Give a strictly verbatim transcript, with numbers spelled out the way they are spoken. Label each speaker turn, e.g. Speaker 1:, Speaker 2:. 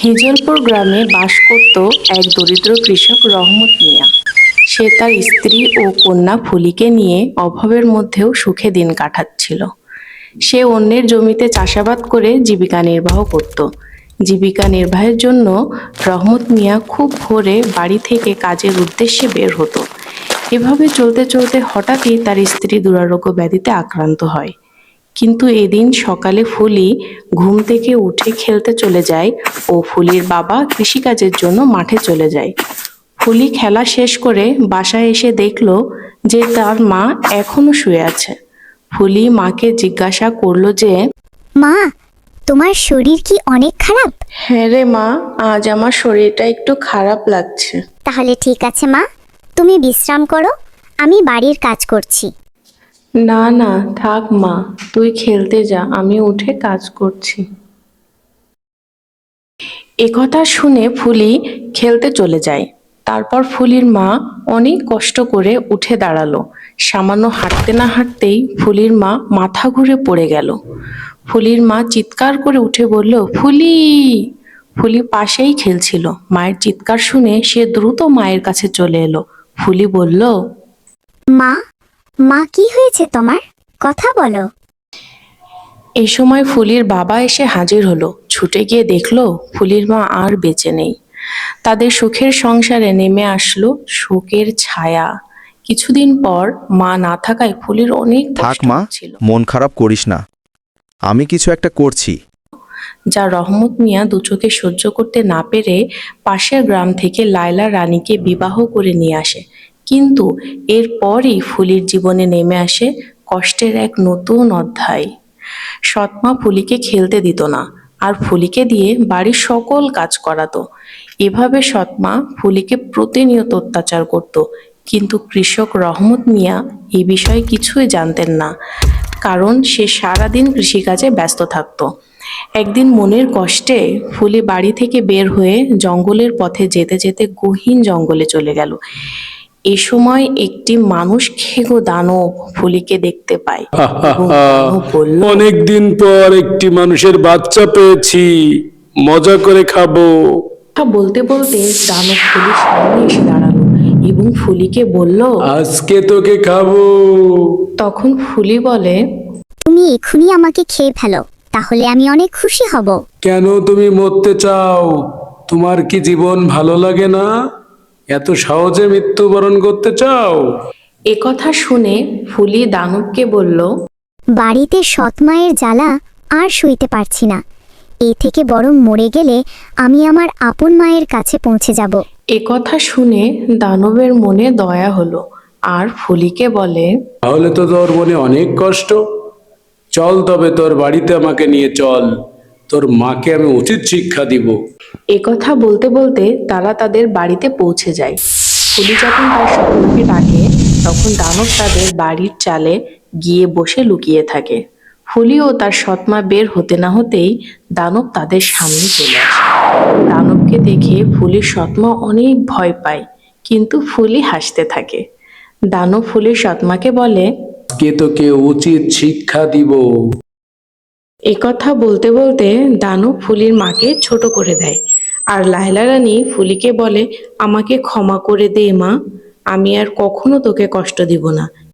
Speaker 1: হিজলপুর গ্রামে বাস করত এক দরিদ্র কৃষক রহমত মিয়া। সে তার স্ত্রী ও কন্যা ফুলিকে নিয়ে অভাবের মধ্যেও সুখে দিন কাটাচ্ছিল। সে অন্যের জমিতে চাষাবাদ করে জীবিকা নির্বাহ করত। জীবিকা নির্বাহের জন্য রহমত মিয়া খুব ভোরে বাড়ি থেকে কাজের উদ্দেশ্যে বের হতো। এভাবে চলতে চলতে হঠাৎই তার স্ত্রী দুরারোগ্য ব্যাধিতে আক্রান্ত হয়। কিন্তু এদিন সকালে ফুলি ঘুম থেকে উঠে খেলতে চলে যায় ও ফুলির বাবা কৃষিকাজের জন্য মাঠে চলে যায়। ফুলি খেলা শেষ করে বাসায় এসে দেখল যে তার মা এখনো শুয়ে আছে। ফুলি মাকে জিজ্ঞাসা করলো যে,
Speaker 2: মা, তোমার শরীর কি অনেক খারাপ?
Speaker 1: হ্যাঁ রে মা, আজ আমার শরীরটা একটু খারাপ লাগছে।
Speaker 2: তাহলে ঠিক আছে মা, তুমি বিশ্রাম করো, আমি বাড়ির কাজ করছি।
Speaker 1: না না, থাক মা, তুই খেলতে যা, আমি উঠে কাজ করছি। একথা শুনে ফুলি খেলতে চলে যায়। তারপর ফুলির মা অনেক কষ্ট করে উঠে দাঁড়ালো। সামান্য হাঁটতে না হাঁটতেই ফুলির মা মাথা ঘুরে পড়ে গেল। ফুলির মা চিৎকার করে উঠে বলল, ফুলি! ফুলি পাশেই খেলছিল। মায়ের চিৎকার শুনে সে দ্রুত মায়ের কাছে চলে এলো। ফুলি বলল,
Speaker 2: মা, মা কি হয়েছে তোমার? কথা বলো।
Speaker 1: এই সময় ফুলির বাবা এসে হাজির হলো। ছুটে গিয়ে দেখলো ফুলির মা আর বেঁচে নেই। তাদের সুখের সংসারে নেমে আসলো শোকের ছায়া। কিছুদিন পর মা না থাকায় ফুলির অনেক
Speaker 3: থাক
Speaker 1: কষ্ট
Speaker 3: মা,
Speaker 1: হচ্ছিল,
Speaker 3: মন খারাপ করিস না, আমি কিছু একটা করছি।
Speaker 1: যা রহমত মিয়া দু চোখে সহ্য করতে না পেরে পাশের গ্রাম থেকে লায়লা রানীকে বিবাহ করে নিয়ে আসে। কিন্তু এরপরই ফুলির জীবনে নেমে আসে কষ্টের এক নতুন অধ্যায়। সৎমা ফুলিকে খেলতে দিত না, আর ফুলিকে দিয়ে বাড়ির সকল কাজ করাতো। এভাবে সৎমা ফুলিকে প্রতিনিয়ত অত্যাচার করত। কিন্তু কৃষক রহমত মিয়া এই বিষয়ে কিছুই জানতেন না, কারণ সে সারাদিন কৃষিকাজে ব্যস্ত থাকত। একদিন মনের কষ্টে ফুলি বাড়ি থেকে বের হয়ে জঙ্গলের পথে যেতে যেতে গহীন জঙ্গলে চলে গেল। এ সময় একটি মানুষ খেগো দানব ফুলিকে দেখতে পায় এবং দানব বলল,
Speaker 4: অনেকদিন পর একটি মানুষের বাচ্চা পেয়েছি, মজা করে খাবো।
Speaker 1: কথা বলতে বলতে দানব ফুলির সামনে এসে দাঁড়ালো এবং ফুলিকে বলল,
Speaker 4: আজকে তোকে খাবো।
Speaker 1: তখন ফুলি বলে,
Speaker 2: তুমি এক্ষুনি আমাকে খেয়ে ফেলো, তাহলে আমি অনেক খুশি হব।
Speaker 4: কেন তুমি মরতে চাও? তোমার কি জীবন ভালো লাগে না? এত সহজে মৃত্যুবরণ করতে চাও?
Speaker 1: একথা শুনে ফুলি দানবকে বলল,
Speaker 2: বাড়িতে সৎ মায়ের জ্বালা আর সইতে পারছি না। এ থেকে বরং মরে গেলে আমি আমার আপন মায়ের কাছে পৌঁছে যাব।
Speaker 1: একথা শুনে দানবের মনে দয়া হলো আর ফুলিকে বলে,
Speaker 4: তাহলে তো তোর মনে অনেক কষ্ট। চল তবে তোর বাড়িতে আমাকে নিয়ে চল, তোর মাকে আমি উচিত শিক্ষা দিব।
Speaker 1: একথা বলতে বলতে তারা তাদের বাড়িতে পৌঁছে যায়। ফুলি যখন তার সৎমাকে ডাকে, তখন দানব তাদের বাড়ির চালে গিয়ে বসে লুকিয়ে থাকে। ফুলি ও তার সৎমা বের হতে না হতেই দানব তাদের সামনে চলে আসে। দানবকে দেখে ফুলির সৎমা অনেক ভয় পায়, কিন্তু ফুলি হাসতে থাকে। দানব ফুলির সৎমাকে বলে,
Speaker 4: আজকে তোকে উচিত শিক্ষা দিব।
Speaker 1: একথা বলতে বলতে দানব ফুলির মাকে ছোট করে দেয়। আর লায়লা রানী ফুলিকে বলে, আমাকে ক্ষমা করে দে মা, আমি আর কখনো তোকে কষ্ট দিব না।